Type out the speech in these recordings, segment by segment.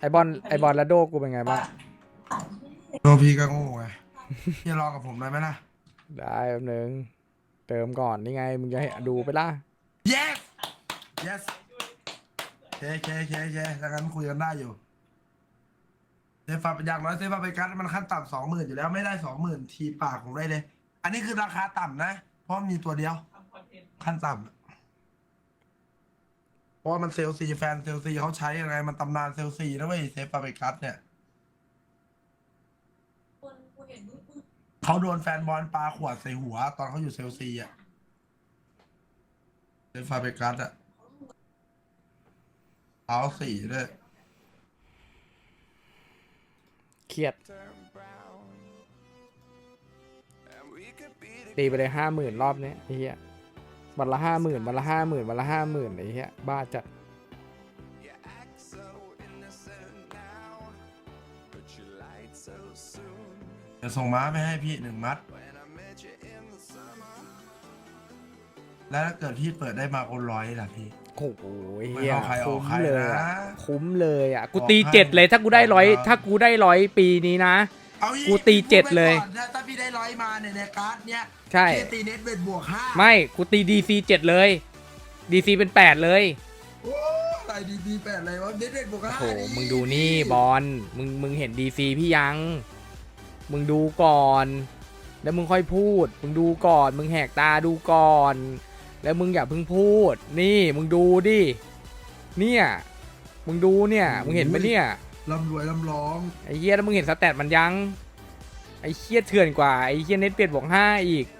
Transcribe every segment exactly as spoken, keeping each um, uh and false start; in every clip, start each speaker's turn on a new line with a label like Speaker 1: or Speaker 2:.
Speaker 1: บอลไอบอลและโดกูเป็นไงบ้าง
Speaker 2: โดพี่ก็โง่ไงพี่รอกับผมได้ไหมล่ะ
Speaker 1: ได้แป๊บนึงเติมก่อนนี่ไงมึงจะให้ดูไปล่ะ
Speaker 2: yes yes เคเคเคเคแล้วกันคุยกันได้อยู่เซฟาเป็นอย่างน้อยเซฟาไปกัดมันขั้นต่ำสองหมื่นอยู่แล้วไม่ได้สองหมื่นทีปากผมได้เลย อันนี้คือราคาต่ำนะเพราะมีตัวเดียวขั้นต่ำเพราะมันเซลซีแฟนเซลซีเขาใช้ยังไงมันตำนานเซลซีนะเว้ยเซฟาไปกัดเนี่ยเขาโดนแฟนบอลปาขวดใส่หัวตอนเขาอยู่เซลซีอ่ะเซฟาไปกัดอ่ะเอาสี่ด้วย
Speaker 1: เครียดตีไปเลยห้าหมื่นรอบนี้ไอ้เหี้ยวันละห้าหมื่นวันละห้าหมื่นวันละห้าหมื่นไอ้เหี้ยบ้าจัด
Speaker 2: จะส่งม้าไปให้พี่หนึ่งมัดแล้วถ้าเกิดพี่เปิดได้มาคนร้อยล่ะพี่
Speaker 1: โอ้โหเหี้ย
Speaker 2: ไม่เอาใครออก
Speaker 1: คุ้ม
Speaker 2: ใคร
Speaker 1: เลย
Speaker 2: นะ
Speaker 1: อะคุ้มเลยอ่ะกู
Speaker 2: ออก
Speaker 1: ตี
Speaker 2: ให้
Speaker 1: เจ็ดเลยถ้ากูได้ร้อย
Speaker 2: ออกมา
Speaker 1: ถ้ากูได้ร้อยปีนี้นะ
Speaker 2: เอาอี
Speaker 1: กูตีเจ็ดเลย
Speaker 2: พูไว้ก่อนถ้าถ้าพี่ได้ร้อยมาเนี่ยในการ์ดเนี้ย
Speaker 1: ใช่
Speaker 2: เคตีเน็ตเบ็ดบวกห้า
Speaker 1: ไม่กูตีดีซีเจ็ดเลยดีซีเป็นแปดเลย
Speaker 2: โอ้ตายดีดีแปดเลยวะเน็ตเบ็ดบวกห้า
Speaker 1: โอ้โหมึงดูนี่บอลมึงมึงเห็นดีซีพี่ยัง มึงดูก่อน แล้วมึงค่อยพูด มึงดูก่อน มึงแหกตาดูก่อน แล้วมึงอย่าเพิ่งพูด นี่มึงดูดิ เนี่ย มึงดูเนี่ย มึงเห็นไหมเนี่ย
Speaker 2: ลำรวยลำร้อง
Speaker 1: ไอ้เหี้ยแล้วมึงเห็นสแตทมันยัง ไอ้เหี้ยเถื่อนกว่า ไอ้เหี้ยเน็ตเปลี่ยนบวกห้าอีก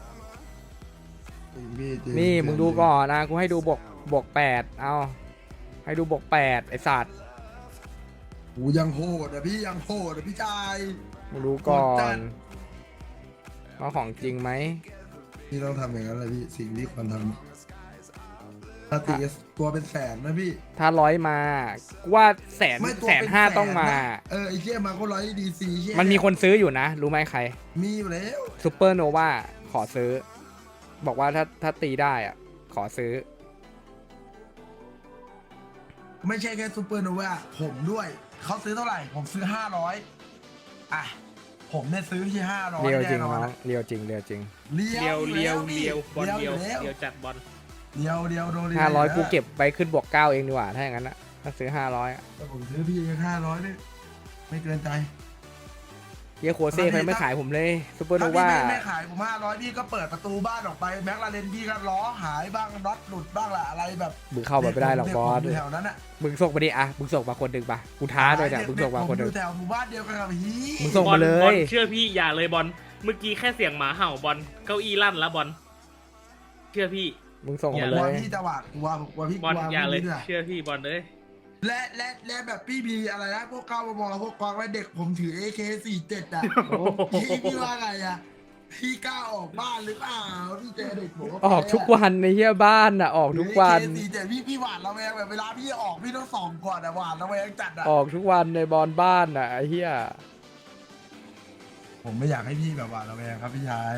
Speaker 1: นี่มึงดูก่อนนะกูให้ดูบวกบวกแปดเอาให้ดูบวกแปดไอ้สัตว์
Speaker 2: กูยังโหดอ่ะพี่ยังโหดอ่ะพี่ชาย
Speaker 1: มึงดูก่อ
Speaker 2: โหดจั
Speaker 1: น
Speaker 2: ด
Speaker 1: ว่าของจริงไหม
Speaker 2: พี่ต้องทำอย่างนั้นเลยพี่สิ่งที่ควรทำถ้าตีตัวเป็นแสนนะพี่
Speaker 1: ถ้าร้อยมากูว่าแสน
Speaker 2: ไม่ตัว
Speaker 1: แสน
Speaker 2: เป็น
Speaker 1: ห้า
Speaker 2: แสน
Speaker 1: ต้องมา
Speaker 2: นะเออไอ้เชี่ยมาก็ร้อยดีซีเชี่ย
Speaker 1: มันมีคนซื้ออยู่นะ รู้ไหมใคร
Speaker 2: มีอยู่แล้ว
Speaker 1: ซูเปอร์โนวาขอซื้อ บอกว่าถ้าถ้าตีได้อ่ะ ขอซื้อ
Speaker 2: ไม่ใช่แค่ซูเปอร์โนวาผมด้วยเขาซื้อเท่าไหร่ ผมซื้อห้าร้อยอ่ะผมเนี่ยซื้อที่ห้าร้อย
Speaker 1: เรียวจริ
Speaker 2: แน่
Speaker 1: ง
Speaker 2: นอน
Speaker 1: น้องเรียวจริงเรียวจริง
Speaker 2: เลี
Speaker 3: เลี
Speaker 2: ย
Speaker 3: ยว วเลียวเลียวบอล
Speaker 2: เลี
Speaker 3: เลี
Speaker 2: ย
Speaker 3: ยว ว
Speaker 2: แล้ว
Speaker 3: เลียวจัดบอล
Speaker 2: เลียวเลียวโดน
Speaker 1: ห้าร้อยกูเก็บไปขึ้นบวกเก้าเองดีกว่าถ้าอย่างนั้นนะถ้าซื้อห้าร้อย
Speaker 2: แต่ผมซื้อพี่ห้าร้อยเนี่ยไม่เกินใจ
Speaker 1: เฮียโคเซ่เขายังไม่ขายผมเลยซูเปอร์โน
Speaker 2: ถ้าพี่
Speaker 1: วา
Speaker 2: ไม่ไม่ขายผมห้าร้อยพี่ก็เปิดประตูบ้านออกไปแม็กลาเรนพี่ก็ล้อหายบ้างน็อตหลุดบ้างแหละอะไรแบบ
Speaker 1: มึงเข้ามาไม่ได้หรอกบอส
Speaker 2: เด็ผมยู่แถวนั้นอ่ะ
Speaker 1: มึงส่งมาดิอ่ะมึงส่งมาคนหนึ่งปะกูท้าเลยเนี่ยมึงส่งมาคนหนึ่ง
Speaker 2: อยู่แถวหมู่บ้านเดียวกันกับฮี
Speaker 1: มึงส่ง
Speaker 3: บอล
Speaker 1: มาเลย
Speaker 3: บอลเชื่อพี่อย่าเลยบอลเมื่อกี้แค่เสียงหมาเห่าบอลเก้าอี้ลั่นแล้วบอลเชื่อพี่
Speaker 1: มึงส่ง
Speaker 3: อย่
Speaker 1: มา
Speaker 2: กลั
Speaker 1: เล
Speaker 2: วย พี่จะหวาดกลัวกลัวพี่ก
Speaker 3: บอล
Speaker 2: ลัว
Speaker 3: อย่าเลย
Speaker 2: พี่นี่แหะ
Speaker 3: เชื่อพี่บอลเลย
Speaker 2: และและและแบบพี่มีอะไรนะพวกก้าวมอพวกกวางและเด็กผมถือ เอ เค สี่สิบเจ็ดอ่ะพี่พี่ว่าไงอ่ะพี่กล้าออกบ้านหรือเปล่าพี่เจอเด็กผม
Speaker 1: ออกทุกวันในเฮียบ้านอ่ะออกทุกวัน
Speaker 2: เอ เค สี่สิบเจ็ดพี่พี่หวาดระแวงแบบเวลาพี่ออกพี่ต้องส่องก่อนอ่ะหวาดระแวงจัดอ่ะ
Speaker 1: ออกทุกวันในบอลบ้านอ่ะไอ้เฮีย
Speaker 2: ผมไม่อยากให้พี่แบบหวาดระแวงครับพี่ชาย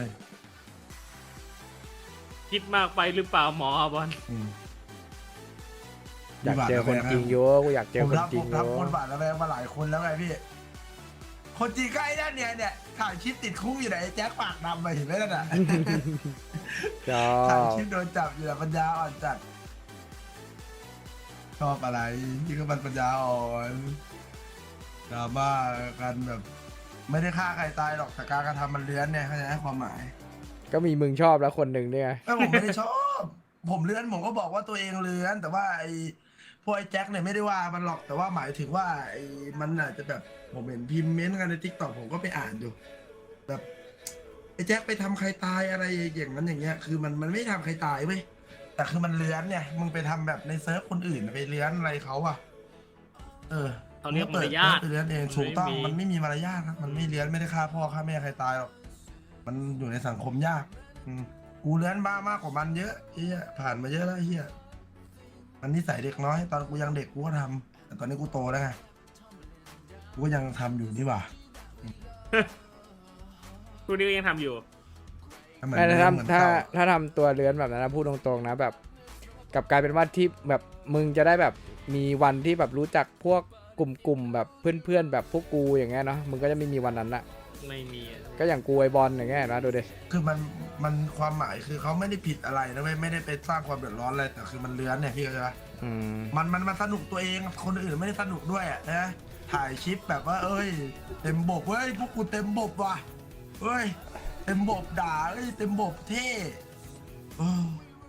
Speaker 3: คิดมากไปหรือเปล่าหมอบอล
Speaker 1: อยากเจอคนจริงเยอะกูอยากเจอ
Speaker 2: ผม
Speaker 1: คน
Speaker 2: รับ
Speaker 1: จริ
Speaker 2: ผ
Speaker 1: ง
Speaker 2: ม
Speaker 1: เย
Speaker 2: รับ
Speaker 1: อะ
Speaker 2: คนหวาดระแวงมาหลายคนแล้วไงพี่ คนจริงก็ไอ้นั่นเนี่ยเนี่ยถ่ายคลิปติดคุกอยู่ไหนไอ้แจ็คปากดำไปเห็นไหมนั่นน่ะ
Speaker 1: ชอ
Speaker 2: ถ่าย
Speaker 1: บ
Speaker 2: คลิปโดนจับอยู่แต่ปัญญาอ่อนจัดชอบอะไรที่ก็มันปัญญาอ่อนดราม่ากันแบบ ไม่ได้ฆ่าใครตายหรอกแต่การกระทำมันเลื้อนเนี่ยเขาจะให้ความหมาย
Speaker 1: ก็มีมึงชอบแล้วคนหนึ่งเนี่ย
Speaker 2: ไม่ผมไม่ได้ชอบ ผมเลื้อนผมก็บอกว่าตัวเองเลื้อน แต่ว่าไอ้พวกไอ้แจ็คเนี่ยไม่ได้ว่ามันหรอกแต่ว่าหมายถึงว่าไอ้มันอาจจะแบบผมเห็นพิมพ์เม้นต์กันในทิกตอกผมก็ไปอ่านอยู่แบบไอ้แจ็คไปทำใครตายอะไรอย่างนั้นอย่างเงี้ยคือมันมันไม่ทำใครตายเว้ยแต่คือมันเลื้อนเนี่ยมึงไปทำแบบในเซิร์ฟคนอื่นไปเลื้อนอะไรเขาอะเออ
Speaker 3: เขาเรียกมารยาท
Speaker 2: ไปเลื้อนเองถูกต้องมันไม่มีมารยาทครับมันไม่เลื้อนไม่ได้ฆ่าพ่อฆ่าแม่ใครตายหรอกมันอยู่ในสังคมยากอืมกูเลื้อนบ้ามากกว่ามันเยอะเฮียผ่านมาเยอะแล้วเฮียมันนิสัยเด็กน้อย ตอนกูยังเด็กกูก็ทำแต่ตอนนี้กูโตแล้วไงกูก็ยังทำอยู่นี่หว่า
Speaker 3: คู่นี้ก็ยังทำอยู่
Speaker 2: เหมือน
Speaker 1: ถ้า
Speaker 2: เดิม
Speaker 1: ถ้า
Speaker 2: เหมือน
Speaker 1: ถ้า
Speaker 2: เก่า
Speaker 1: ถ้าทำตัวเลื้อนแบบนั้นนะพูดตรงๆนะแบบกลับกลายเป็นว่าที่แบบมึงจะได้แบบมีวันที่แบบรู้จักพวกกลุ่มๆแบบเพื่อนๆแบบพวกกูอย่างเงี้ยเนาะมึงก็จะไม่มีวันนั้นละ
Speaker 3: ไม่มีอะ
Speaker 1: ก็อย่างกูไอบอลอย่างเงี้ยนะดูดิ
Speaker 2: คือมันมันความหมายคือเขาไม่ได้ผิดอะไรนะเว้ยไม่ได้ไปสร้างความเดือดร้อนอะไรแต่คือมันเลื้อนเนี่ยพี่เข้าใจปะ
Speaker 1: อืม
Speaker 2: มันมันมันสนุกตัวเองคนอื่นไม่ได้สนุกด้วยอะนะถ่ายคลิปแบบว่า เอ้ย เต็มบบเว้ยพวกกูเต็มบบว่ะเอ้ยเต็มบบด่าเอ้ยเต็มบบเท่เออ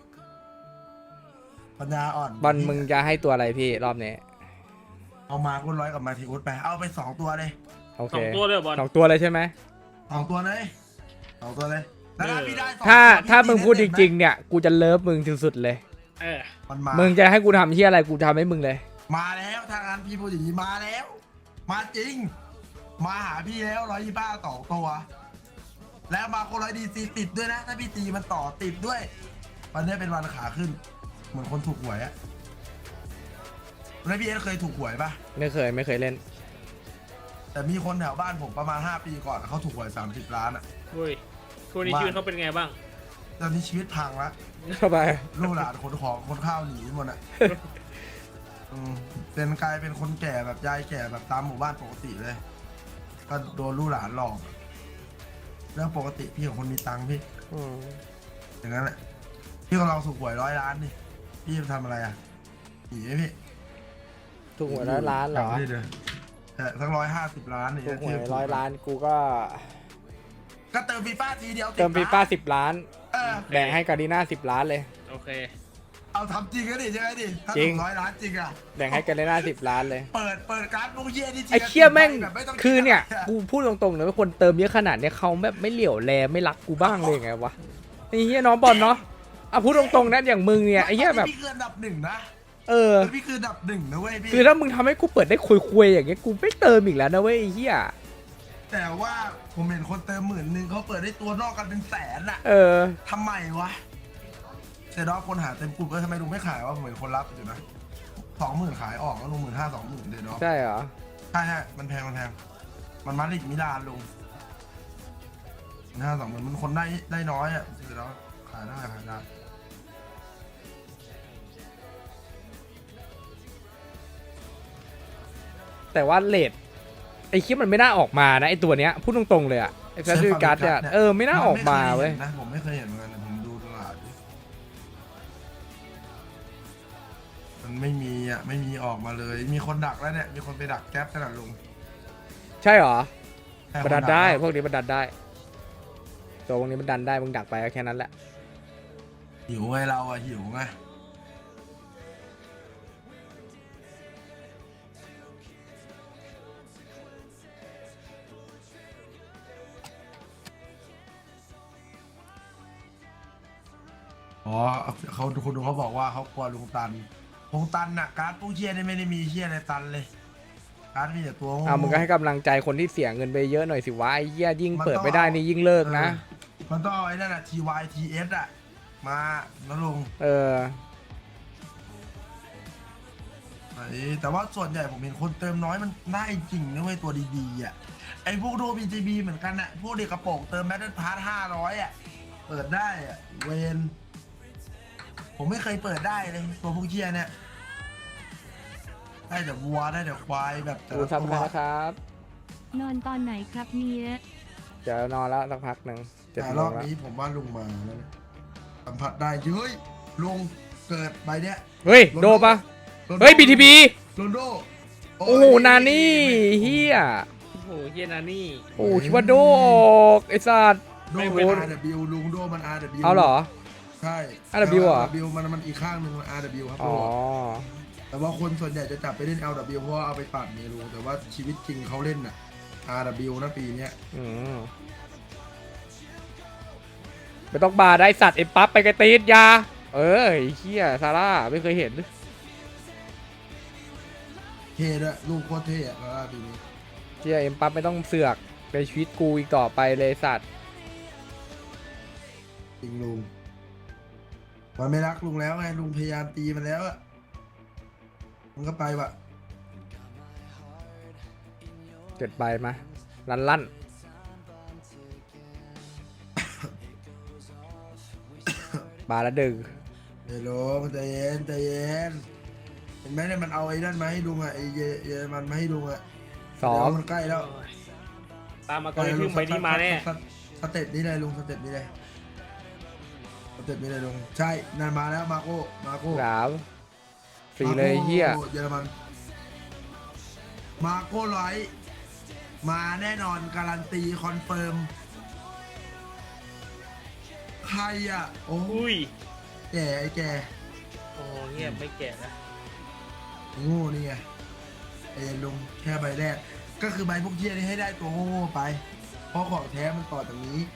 Speaker 2: ปัญญาอ่อน
Speaker 1: บอลมึงจะให้ตัวอะไรพี่รอบนี้
Speaker 2: เอามาคุณร้อยกับมาทีอุดไปเอาไปสองตัวเลย
Speaker 1: โอ
Speaker 3: ส
Speaker 1: เค
Speaker 3: องตัวเลยเหรอบอล
Speaker 1: สองตัวเลยใช่ไหม
Speaker 2: สองตัวเลยสองตัวเลยแล้วถ้าพี่ได้สอง
Speaker 1: ถ้า
Speaker 2: ตัวพี่
Speaker 1: ถ้ามึงพูดจ
Speaker 2: ตี
Speaker 1: ริงๆเนี่ยกูจะเลิฟมึงที่สุดเลย
Speaker 3: เออ
Speaker 2: ๆมันมา
Speaker 1: มึงจะให้กูทำที่อะไรกูทำให้มึงเลย
Speaker 2: มาแล้วทางนั้นพี่พูดอย่างนี้มาแล้ว มาจริง มาหาพี่แล้วร้อยยี่บ้าสองตัว แล้วมาคนร้อยดีซีติดด้วยนะ ถ้าพี่ตีมันต่อติดด้วย วันนี้เป็นวันขาขึ้น เหมือนคนถูกหวยอะแล้วพี่เอสเคยถูกหวยปะ
Speaker 1: ไม่เคยไม่เคยเล่น
Speaker 2: แต่มีคนแถวบ้านผมประมาณห้าปีก่อนเขาถูกหวยสามสิบล้านอะ
Speaker 3: เฮ้ยทุกวันนี้ชีวิตเขาเป็นไงบ้าง
Speaker 2: ตอนนี้ชีวิตพังละ
Speaker 1: เข้าไป
Speaker 2: ลูกหลานคนของคนข้าวหนีหมดอะอืมเป็นกลายเป็นคนแก่แบบยายแก่แบบตามหมู่บ้านปกติเลย ก็โดนลูกหลานหลอกเรื่องปกติพี่ของคนมีตังค์พี่
Speaker 1: อืม
Speaker 2: อย่างนั้นแหละพี่ก็ลองถูกหวยร้อยล้านดิพี่จะทำอะไรอ่ะหนีไหมพี่
Speaker 1: ถูกหวยร้อยล้านเหรอ
Speaker 2: จำไม่ได้เลยเออสักร้อยห้าสิบล้านนี่
Speaker 1: ถูกหวยร้อยล้านกูก็
Speaker 2: ก็เติมฟีฟ่าทีเดียว
Speaker 1: เติมฟีฟ่าสิบล้าน
Speaker 2: เออ
Speaker 1: แบ่งให้การดีน่าสิบล้านเลย
Speaker 3: โอเค
Speaker 2: เอาทำจริงก็ดิใช่ไหมดิถ้า
Speaker 1: จริ
Speaker 2: ถู
Speaker 1: ง
Speaker 2: กร้อยล้านจริงอ่ะ
Speaker 1: แบ่งให้การดีน่าสิบล้านเลย
Speaker 2: เปิดเปิดการ์ดมุกเยี่ยนี่จริง
Speaker 1: ไอ้เคี้ยแม่ง
Speaker 2: แบบไต้
Speaker 1: คือเนี่ย
Speaker 2: ดะไร
Speaker 1: กูพูดตรงๆเลยว่าคนเติมเยอะขนาดเนี้ยเขาแบบไม่เหลียวแลไม่รักกูบ้างเลยไงวะไอ้เหี้ยน้องบอลเนาะอ่ะพูดตรงๆนะอย่างมึงเนี่ยไอ้เหี้ยแบบ
Speaker 2: พี่คืออันดับหนึ่งนะ
Speaker 1: เออ
Speaker 2: พี่คืออันดับหนึ่งนะเว้ยพี่
Speaker 1: คือถ้ามึงทำให้กูเปิดได้คุยๆอย่างเงี้ยกูไม่เติมอีกแล้วนะเว้ยไอ้เหี้ย
Speaker 2: แต่ว่าผมเห็นคนเติมหมื่นหนึ่งเขาเปิดได้ตัวนอกกันเป็นแสนอะ
Speaker 1: เออ
Speaker 2: ทำไมวะเซดอฟคนหาเต็มกลุ่มก็ทำไมลุงไม่ขายวะผมเห็นคนรับอยู่นะสองหมื่นขายออกแล้วลุงหมื่นห้าสองหมื่นเดดอฟ
Speaker 1: ใช่เหรอ
Speaker 2: ใช่ใช่มันแพงมันแพงมันมาดริดมิลานลุงห้าสองหมื่นมันคนได้ได้น้อยอ่ะเดดอฟขายได้ขายได้
Speaker 1: แต่ว่าเลทไอ้คลิปมันไม่น่าออกมานะไอ้ตัวเนี้ยพูดตรงๆเลยอะไอ้แฟชั่นการ์ดเนี่ยเออไม่น่าออกมาเว้ย
Speaker 2: นะผมไม่เคยเห็นเหมือนกันผมดูตลาดดิมันไม่มีอ่ะไม่มีออกมาเลย มีคนดักแล้วเนี่ยมีคนไปดักแก๊ปขนาดลุง
Speaker 1: ใช่เหรอ
Speaker 2: ใช่
Speaker 1: มันดัน
Speaker 2: ค
Speaker 1: ได้
Speaker 2: แล้ว
Speaker 1: พวกนี้มันดันได้ตัวพวกนี้มันดันได้มึงดักไปก็แค่นั้นแหละ
Speaker 2: หิวไงเราอะหิวไงอ๋อเขาคนดูเขาบอกว่าเขากลัวลุงตันลุงตันน่ะการ์ดผู้เชี่ยนี่ไม่ได้มีเชี่ยอะไรตันเลยการ์ดมีแต่ตัวโง่
Speaker 1: อ่ามึงก็ให้กำลังใจคนที่เสียเงินไปเยอะหน่อยสิวะไอ้เหี้ยยิ่ง
Speaker 2: มัน
Speaker 1: เปิด
Speaker 2: ต้อง
Speaker 1: ไม่ได้นี่ยิ่งเลิกนะ
Speaker 2: เออมันต้องเอาไอ้นั่นอะ ที วาย ที เอส อะมาแล้วลุง
Speaker 1: เออ
Speaker 2: ไอ้แต่ว่าส่วนใหญ่ผมเห็นคนเติมน้อยมันได้จริงนะเว้ยตัวดีๆอ่ะไอ้พวกโดบีจีบีเหมือนกันอ่ะพวกเด็กกระโปรงเติมแบตเทิลพาร์ทห้าร้อยอ่ะเปิดได้อ่ะเวนผมไม่เคยเปิดได้เลยตัวพวกเชียเนี่ยได้แต่วัวได้แต่ควายแบบแต่
Speaker 1: ดู
Speaker 2: ละ
Speaker 1: ซับ
Speaker 2: ตัว
Speaker 1: ให้นะครับ
Speaker 4: นอนตอนไหนครับเนี่ย
Speaker 1: เดี๋ยวนอนแล้วสักพักหนึ่งเจ็ด
Speaker 2: แต่
Speaker 1: โม
Speaker 2: รอง บ
Speaker 1: แล้ว
Speaker 2: นี้ผมว่าลุงมาแล้วนะสัมผัสได้เฮ้ยลุงเกิดใบเนี้ย
Speaker 1: เฮ้ยโดปะ
Speaker 2: โรนลโด
Speaker 1: เฮ้ยบีทีบี
Speaker 2: โรนลโด
Speaker 1: โอ้โหนานี่เฮีย
Speaker 3: โอ้โหเฮียนานี่
Speaker 1: โอ้คิดว่าโดออกไอ้สัตว์
Speaker 2: โด
Speaker 3: ไม่
Speaker 2: เป็น
Speaker 3: เป็น
Speaker 2: อาร์ ดับเบิลยู ลุงโดมัน อาร์ ดับเบิลยู
Speaker 1: เอาเหรอ
Speaker 2: ใช่
Speaker 1: อาร์ ดับเบิลยู เหรอ
Speaker 2: อาร์ ดับเบิลยู มันมันอีกข้างหนึ่งมัน อาร์ ดับเบิลยู ครับ
Speaker 1: อ๋อ
Speaker 2: แต่ว่าคนส่วนใหญ่จะจับไปเล่น แอล ดับเบิลยู เพราะว่าเอาไปตัดเนี่ยลุงแต่ว่าชีวิตจริงเขาเล่นน่ะ อาร์ ดับเบิลยู นะปีเนี้ย
Speaker 1: อืมไม่ต้องบาได้สัตว์ไอ้ปั๊บไปกระตีดยา เออไอ้เฮียซาร่าไม่เคยเห็น
Speaker 2: เท่ด้วยลูกโคตรเท่อะแล้วปีนี้
Speaker 1: เฮียเอ็มปั๊บไม่ต้องเสือกในชีวิตกูอีกต่อไปเลยสัตว์
Speaker 2: จริงลุงมันไม่รักลุงแล้วไงลุงพยายามตีมันแล้วอะมันก็ไปวะ
Speaker 1: เกิดไปมาลั่นลั่น บาละดึง
Speaker 2: เดี๋ยวลุงใจเย็นใจเย็นเห็นไหมเนี่ยมันเอาไอ้นั่นมาให้ลุงอ่ะไอ้เยเยอรมันมาให้ลุงอ่ะ
Speaker 1: ซ้อม
Speaker 2: เดี๋ยวมันใกล้แล้ว
Speaker 3: ตามมาก็เลยพึ่งไปนี่มาแน่
Speaker 2: สเตสเต็ปนี้เลยลุงสเต็ปนี้เลยสเต็ปนี้เลยลุงใช่นั่นมาแล้วมาโก้มาโก้
Speaker 1: สามฟรีเลยเฮีย
Speaker 2: มาโก้เยอรมันมาโก้ไลท์มาแน่นอนการันตีคอนเฟิร์มใครอ่ะโอ้
Speaker 3: อุ้ย
Speaker 2: แก่ไอ้แก่
Speaker 3: โอ้เงียบไม่แก่นะ
Speaker 2: โง่นี่ไงเอ็นลุงแค่ใบแรกก็คือใบพวกเที่ยนี่ให้ได้ตัวโง่ๆไป เพราะของแท้มันต่อจากนี้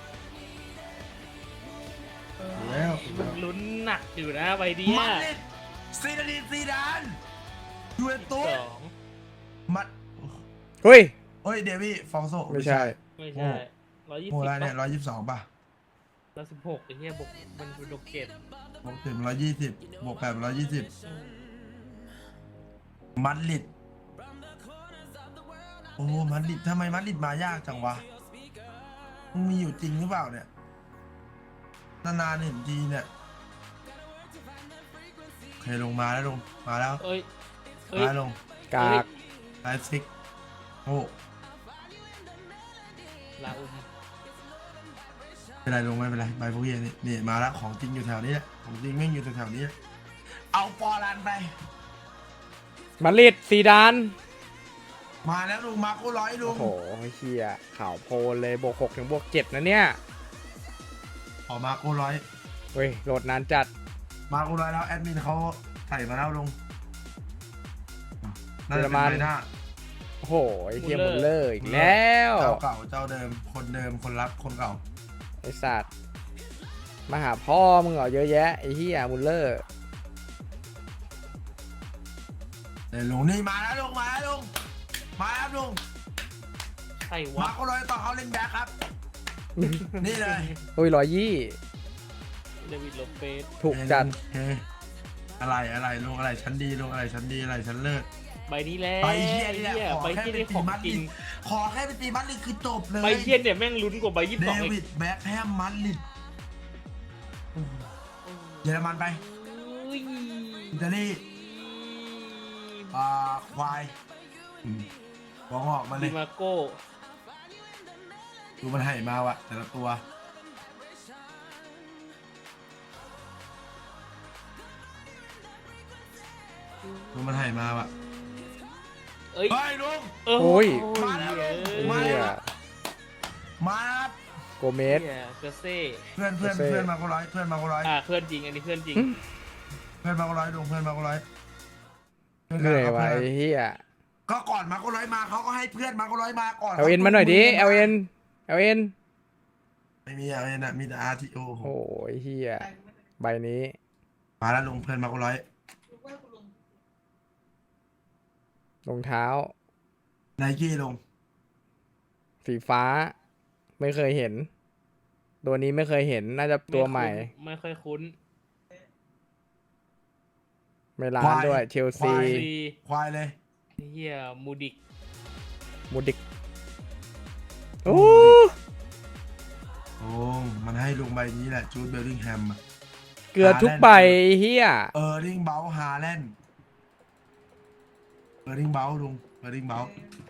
Speaker 2: แล้ว
Speaker 3: มันลุ้นหนักอยู่นะใบเดีย
Speaker 2: มาดริดซีดานีซีดานยูเวนตุส
Speaker 3: สอง
Speaker 2: มัด
Speaker 1: เฮ้ย
Speaker 2: เฮ้ยเดวี่ฟองโซ
Speaker 1: ไม่ใช่
Speaker 3: ไม่ใช่ร้อยยี่
Speaker 2: โม
Speaker 3: สิบ
Speaker 2: ไรเนี่ยร้อยยี่สิบสองป่ะ
Speaker 3: ร้อยสิบหกไอ้เหี้ยบวกมันเป็นโดเกต
Speaker 2: บวกถึงร้อยยี่สิบบวกแปดร้อยยี่สิบมัดริดโอ้มัดริดทำไมมัดริดมายากจังวะมันมีอยู่จริงหรือเปล่าเนี่ยนานๆเห็นทีเนี่ยเคยลงมาแล้วลงมาแล้ว
Speaker 3: เอ้ยเอ้ย
Speaker 2: มาลง
Speaker 1: กาก
Speaker 2: ไลฟ์ซิกโอ้
Speaker 3: ลาอุม
Speaker 2: เป็นไรลงไม่เป็นไรใบพวกเฮียนี่นี่มาแล้วของจริงอยู่แถวนี้แหละของจริงแม่งอยู่แถวๆนี้ เอาปอลันไป
Speaker 1: มาดริดซีดาน
Speaker 2: มาแล้วลุงมาโก้ร้อยลุ
Speaker 1: โอ้
Speaker 2: ง
Speaker 1: โหเฮียข่าวโพลเลยบวกหกถึงบวกเจ็ดนะเนี่ย
Speaker 2: ขอมาโก้ร้อย
Speaker 1: เฮ้ยโหลดนานจัด
Speaker 2: มาโก้ร้อยแล้วแอดมินเขาใส่มาแล้วลุงน่าจะ
Speaker 1: เยอรมั
Speaker 2: เป็น นใบหน้า
Speaker 1: โอ้โหไอ้เฮียมุลเลอร์อีกแล้ว
Speaker 2: เจ้าเก่าเจ้าเดิมคนเดิมคนรักคนเก่า
Speaker 1: ไอ้สัตว์มาหาพ่อมึงเหรอเยอะแยะไอ้เฮียมุลเลอร์
Speaker 2: เดี๋ยวลุงนี่มาแล้วลุงมาแล้วลุงมาแล้วลุง
Speaker 3: ใช่
Speaker 2: มาว
Speaker 3: ะ
Speaker 2: โก้ร้อยต่อเขาเล่นแบ็คครับ นี่เลย
Speaker 1: โอ้ยร้อยยี่
Speaker 3: เดวิดโลเปส
Speaker 1: ถูกจัด
Speaker 2: เฮ้ยอะไรอะไรลุงอะไรชั้นดีลุงอะไรชั้นดีอะไรชั้นเลิศ
Speaker 3: ใบนี้แหละ
Speaker 2: ใบเฮียนี่แหละขอ
Speaker 3: ใบ
Speaker 2: แค่
Speaker 3: เฮีย
Speaker 2: ไป
Speaker 3: นี่
Speaker 2: ตี
Speaker 3: ของ
Speaker 2: มัด
Speaker 3: จ
Speaker 2: ริ
Speaker 3: ริ
Speaker 2: ด
Speaker 3: ง
Speaker 2: ขอแค่ไปตีมัดริดคือจบเลย
Speaker 3: ใบเฮียเนี่ยแม่งลุ้นกว่าใบยี่สิบ
Speaker 2: เด
Speaker 3: สองเอ
Speaker 2: วิ
Speaker 3: ง
Speaker 2: ดแบ็คแฮมมัดริดเยอรมันไป
Speaker 3: อุ้ย
Speaker 2: อิตาลีอ่าควายหัวงอกมาเล
Speaker 3: ดิ
Speaker 2: ย
Speaker 3: มาโก้
Speaker 2: ดูมันให้มาวะแต่ละตัวดูมันให้มาวะ
Speaker 3: เอ้ย
Speaker 2: เฮ้ยลุง
Speaker 3: เออ
Speaker 1: โอ้ย
Speaker 2: มาแล้ว
Speaker 3: เอ้ย
Speaker 2: มา
Speaker 1: เฮี
Speaker 2: แล้
Speaker 1: ยว
Speaker 2: มาครับ
Speaker 1: โกเมส
Speaker 3: เฮียเกอร์เซ่
Speaker 2: เพื่อนเพื่อน
Speaker 1: เซ่
Speaker 2: เพื่อนมาก็ร้อยเพื่อนมาก็ร้อย
Speaker 3: อ่าเพื่อนจริงอันนี้เพื่อนจริง
Speaker 2: เพื่อนมาก็ร้อยลุงเพื่อนมาก็ร้อยพื่
Speaker 1: เหนื่อย
Speaker 2: กั
Speaker 1: ว่ะ
Speaker 2: พื่
Speaker 1: ไอ้เฮีย
Speaker 2: ก็ก่อนมาก็ร้อยมาเขาก็ให้เพื่อนมาก็ร้อยมาก่อน
Speaker 1: เอลเอ็นมาหน่อยดิเอลเอ็นเอลเอ็น
Speaker 2: ไม่มีเอลเอ็นอะมีแต่อาร์ทีโอ
Speaker 1: โอ้ยเฮียใบนี้
Speaker 2: มาแล้วลุงเพื่อนมาก็ร้อย
Speaker 1: รองเท้า
Speaker 2: ไนกี้ลง
Speaker 1: สีฟ้า ไม่เคยเห็น ตัวนี้ไม่เคยเห็นน่าจะตัวใหม่
Speaker 3: ไม่ค่อยคุ้น
Speaker 1: ไม่ร้านด้วยเชลซี
Speaker 3: ซี
Speaker 2: ควายเลย
Speaker 3: เฮียมูดิก
Speaker 1: มูดิกโอ้
Speaker 2: โอ้มันให้ลุงใบนี้แหละจูดเบลลิงแฮม
Speaker 1: เกือบทุกใบเฮีย
Speaker 2: เออร์ลิงเบลฮาแลนด์เออร์ลิงเบลลุงเออร์ลิงเบล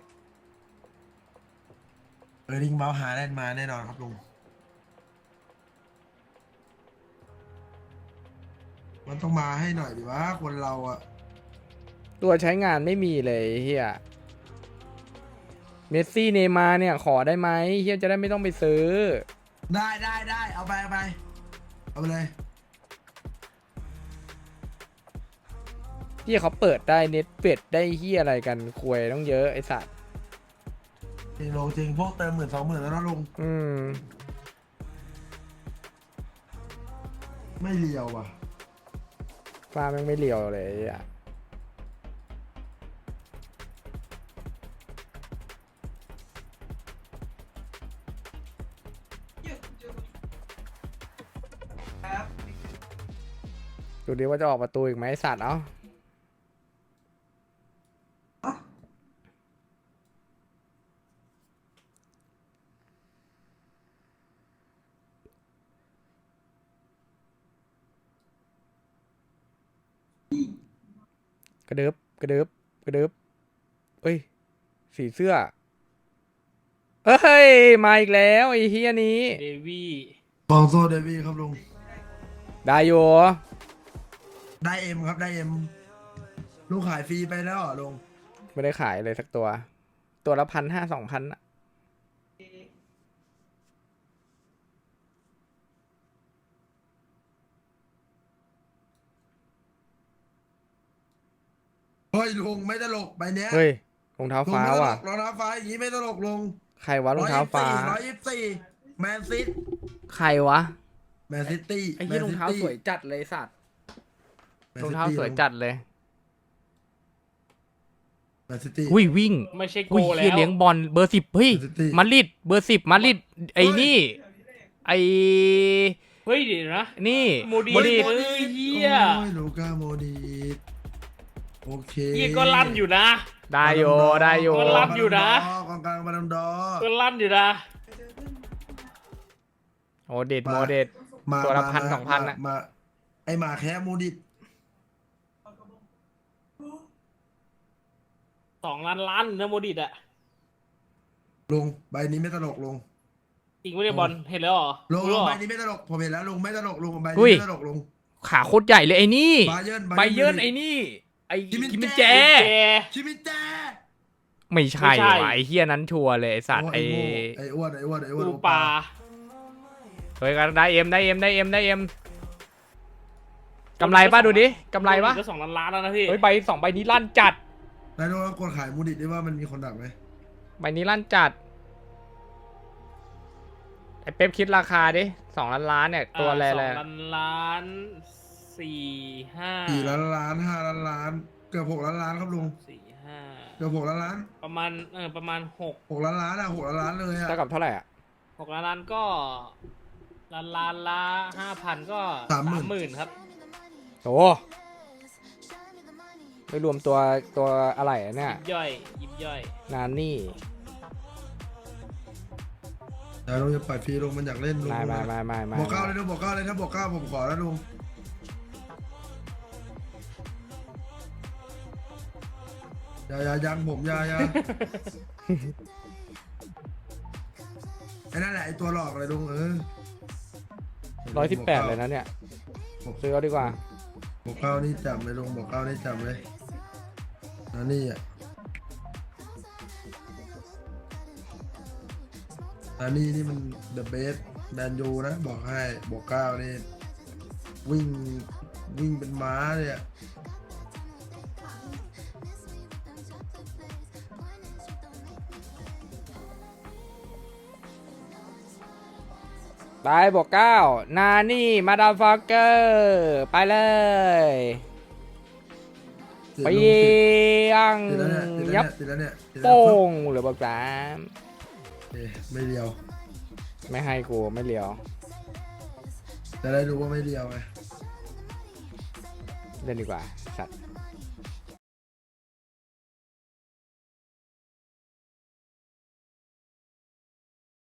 Speaker 2: เออร์ลิงเบลฮาแลนด์มาแน่นอนครับลุงมันต้องมาให้หน่อยดิวะคนเราอะ
Speaker 1: ตัวใช้งานไม่มีเลยเฮียเมสซี่เนย์มาร์เนี่ยขอได้ไหมเฮียจะได้ไม่ต้องไปซื้อ
Speaker 2: ได้ได้ได้เอาไปเอาไปเอาไปเลย
Speaker 1: เฮียเขาเปิดได้เน็ตเป็ดได้เฮียอะไรกันควยต้องเยอะไอสัตว์
Speaker 2: จริงลงจริงพวกเติมหมื่นสองหมื่นแล้วนะลุง
Speaker 1: อืม
Speaker 2: ไม่เลียวว่ะ
Speaker 1: ฟ้าแม่งไม่เลียวเลยอ่ะ ดูดิว่าจะออกประตูอีกไหมไอ้สัตว์เอ้ากระเดิบกระเดิบกระเดิบเอ้ยสีเสื้อเอ้ยมาอีกแล้วไอ้เฮียนี้
Speaker 3: เดวี่
Speaker 2: บองโซเดวี่ครับลุง
Speaker 1: ได้อยู่
Speaker 2: ได้เอ็มครับได้เอ็มลุงขายฟรีไปแล้วเหรอลุง
Speaker 1: ไม่ได้ขายเลยสักตัว ตัวละพันห้าสองพันอะ
Speaker 2: เฮ้ยลุงไม่ตลกใบเนี้ย
Speaker 1: เฮ้ยรองเท้า
Speaker 2: ลุง
Speaker 1: ฟ้า
Speaker 2: ไม่ตล
Speaker 1: ว่ะ
Speaker 2: กรองเท้าฟ้าอย่างนี้ไม่ตลกลุง
Speaker 1: ใครวะรองเท้าฟ้า
Speaker 2: ร้อยยี่สิบสี่แมนซิต
Speaker 1: ใครวะ
Speaker 2: แมนซิตี้
Speaker 1: ไอ้เหี้ยรองเท้าสวยจัดเลยสัตว์รองเท้าสวยจัดเลย
Speaker 2: แมนซิตี้
Speaker 1: อุ้ยวิ่ง
Speaker 3: ไม่ใช่โก
Speaker 1: อุ้ย
Speaker 3: แล้
Speaker 1: เหี้ยว เลี้ยงบอลเบอร์สิบเฮ้ย
Speaker 2: แมนซิตี้
Speaker 1: มาดริดเบอร์สิบมาดริดไอ้นี่ไอ้
Speaker 3: เฮ้ยเดี๋ยวนะ
Speaker 1: นี่
Speaker 3: โมดี
Speaker 1: โมดิ
Speaker 3: เอ้ยเฮีย
Speaker 2: โอ้ยลูก้าโมดีโอเค
Speaker 3: เฮียก็ลั่นอยู่นะ
Speaker 1: ได้โยได้โย
Speaker 3: ก็รับอยู่นะ
Speaker 2: กองกลางบาลัมดอร์
Speaker 3: ก็ลั่นอยู่นะ
Speaker 1: โมเดดโมเดด
Speaker 2: มา
Speaker 1: ตัวละ
Speaker 2: มา
Speaker 1: พันสองพัน
Speaker 2: มา
Speaker 1: อะ
Speaker 2: มาไอหมาแค่โมดิต
Speaker 3: สองล้านล้านนะโมดิตอะ
Speaker 2: ลุงใบนี้ไม่ตลกลุง
Speaker 3: จริงไม่ได้บอลเห็นแล้วเหรอ
Speaker 2: ลุง
Speaker 3: รู้เหรอ
Speaker 2: ใบนี้ไม่ตลกผมเห็นแล้วลุงไม่ตลกลุงใบนี้
Speaker 1: อุ้ย
Speaker 2: ไม่ตลกลุง
Speaker 1: ขาโคตรใหญ่เลยไอ้นี่
Speaker 2: บาเยิร์น
Speaker 1: ไบเยิร์นไอ้นี่ไอ้
Speaker 2: กิมมิน
Speaker 1: กิมมิน
Speaker 2: แจ
Speaker 1: แจ
Speaker 3: แก
Speaker 2: ชิมิแจ
Speaker 1: ไม่ใช่
Speaker 3: ไม่ใช่
Speaker 1: ว่ะไอ้เฮียนั้นชัวร์เลยไอ้สัตว์
Speaker 2: โอ้
Speaker 1: ไอ้
Speaker 2: ไอ้โง่ไอ้อ้วนไอ้อ้วนไอ้อ้วน
Speaker 3: ปูปลา
Speaker 1: เฮ้ยกันได้เอ็มได้เอ็มได้เอ็มได้เอ็มกำไรป่ะดูดิกำไรป่ะ
Speaker 3: ก็สองล้านล้านแล้วนะพี่
Speaker 1: เฮ้ยใบสองใบนี้ลั่นจัด
Speaker 2: นายโดนกดขายโมดิตได้ว่ามันมีคนดักไหม
Speaker 1: ใบนี้ลั่นจัดไอ้เป๊ปคิดราคาดิสองล้านล้านเนี่ยตัวอะไร
Speaker 3: ส
Speaker 1: เล
Speaker 3: อย งล้านล้านสี่ห้า
Speaker 2: สี่ล้านล้านห้าล้านล้านเกือบหกล้านล้านครับลุง
Speaker 3: สี่ห้า
Speaker 2: เกือบหกล้านล้าน
Speaker 3: ประมาณเออประมาณหก
Speaker 2: หกล้านล้านอะหกล้านล้านเลยอะ
Speaker 1: เท่ากับเท่าไหร่อ่ะ
Speaker 3: หกล้านล้านก็ล้านล้านละห้าพันก็สามหมื่นครับ
Speaker 1: โอ้ไม่รวมตัวตัวอะไรอะเนี่ย
Speaker 3: ยิบย่อยยิบย่อย
Speaker 1: นานนี่
Speaker 2: เดี๋ยวลุงจะปล่อยฟรีลุงมันอยากเล่นลุง
Speaker 1: ไม่ไม่ไม่ไม่ไม่
Speaker 2: บอกเก้าเลยลุงบอกเก้าเลยถ้าบอกเก้าผมขอแล้วลุงอย่าอย่ายังผมอย่าอย่า ไอ้นั่นแหละไอ้ตัวหลอกเลยลุงเออ
Speaker 1: ร้อยสิบแปดเลยนะเนี่ยซื้อเอาดีกว่า
Speaker 2: บอกเก้านี่จับเลยลุงบอกเก้านี่จับเลยอันนี้อ่ะอันนี้นี่มัน the best แมนยูนะบอกให้บอกเก้านี่วิ่งวิ่งเป็นม้าเลยอ่ะ
Speaker 1: ไปบอกเก้านานี่มาดามฟักเกอร์ไปเลยไปยัง
Speaker 2: ติดแล้วเนี่ยติดแล้ว
Speaker 1: ยับ
Speaker 2: เนี่ยติดแล้วเนี่ยติดแล้ว
Speaker 1: โป้งเหลือบอกสาม
Speaker 2: เอ๊ะไม่เดียว
Speaker 1: ไม่ให้กูไม่เลียว
Speaker 2: จะได้รู้ว่าไม่เดียวไง
Speaker 1: เล่นดีกว่าสัตว์